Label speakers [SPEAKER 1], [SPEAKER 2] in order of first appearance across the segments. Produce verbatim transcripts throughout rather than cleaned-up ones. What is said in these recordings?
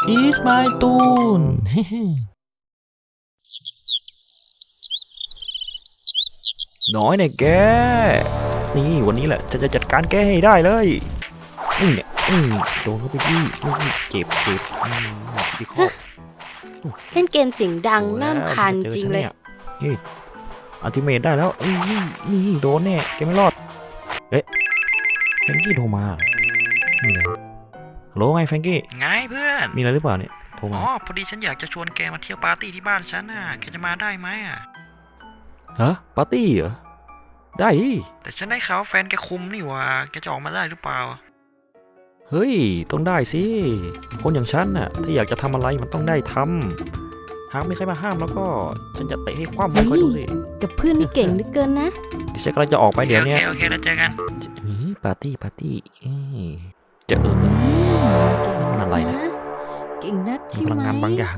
[SPEAKER 1] It's my ตูน น้อยเนี่ยแกนี่วันนี้แหละจะจะจัดการแกให้ได้เลยนี่เนี่ยอืมโดนเข้าไปที่เจ็บเจ็บที่คอ
[SPEAKER 2] เล่นเกมเสียงดังน่ารำคาญจริงเลย
[SPEAKER 1] เฮ้ยอัลติเมทได้แล้วนี่นี่โดนแน่แกไม่รอดเอ๊ะแฟรงกี้โทรมานี่เลยฮัลโหลไงแฟรงกี้
[SPEAKER 3] ไงเพื่อน
[SPEAKER 1] มีอะไรหรือเปล่าเนี่ยโทรมา
[SPEAKER 3] อ๋อพอดีฉันอยากจะชวนแกมาเที่ยวปาร์ตี้ที่บ้านฉันน่ะแกจะมาได้ไหมอ่ะ
[SPEAKER 1] ฮะปาร์ตี้เหรอได้ดิ
[SPEAKER 3] แต่ฉันได้ข่าวแฟนแกคุมนี่หว่าแกจะออกมาได้หรือเปล่า
[SPEAKER 1] เฮ้ยต้องได้สิคนอย่างฉันน่ะถ้าอยากจะทำอะไรมันต้องได้ทำหากไม่ใครมาห้ามแล้วก็ฉันจะเตะให้คว่ำไปคอยดูสิ
[SPEAKER 2] กับเพื่อนนี่เก่งเหลือเกินนะ
[SPEAKER 1] เดี๋ยวฉันกำลังจะออกไปเดี๋ยวนี้
[SPEAKER 3] โอเคโอเคแล้วเจอกัน
[SPEAKER 1] ปาร์ตี้ปาร์ตี้จะเออมันอะไรนะ
[SPEAKER 2] เก่งนักใช่ไหม
[SPEAKER 1] พลังงานบางอย่าง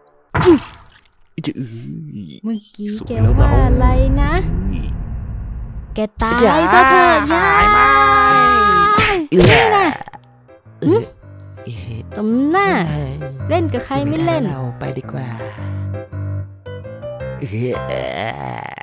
[SPEAKER 2] เมื่อกี้แกว่าอะไรนะแกตายซะเถอะยายนี่นะตำหน้าเล่นกับใครไม่เล่น
[SPEAKER 1] เราไปดีกว่า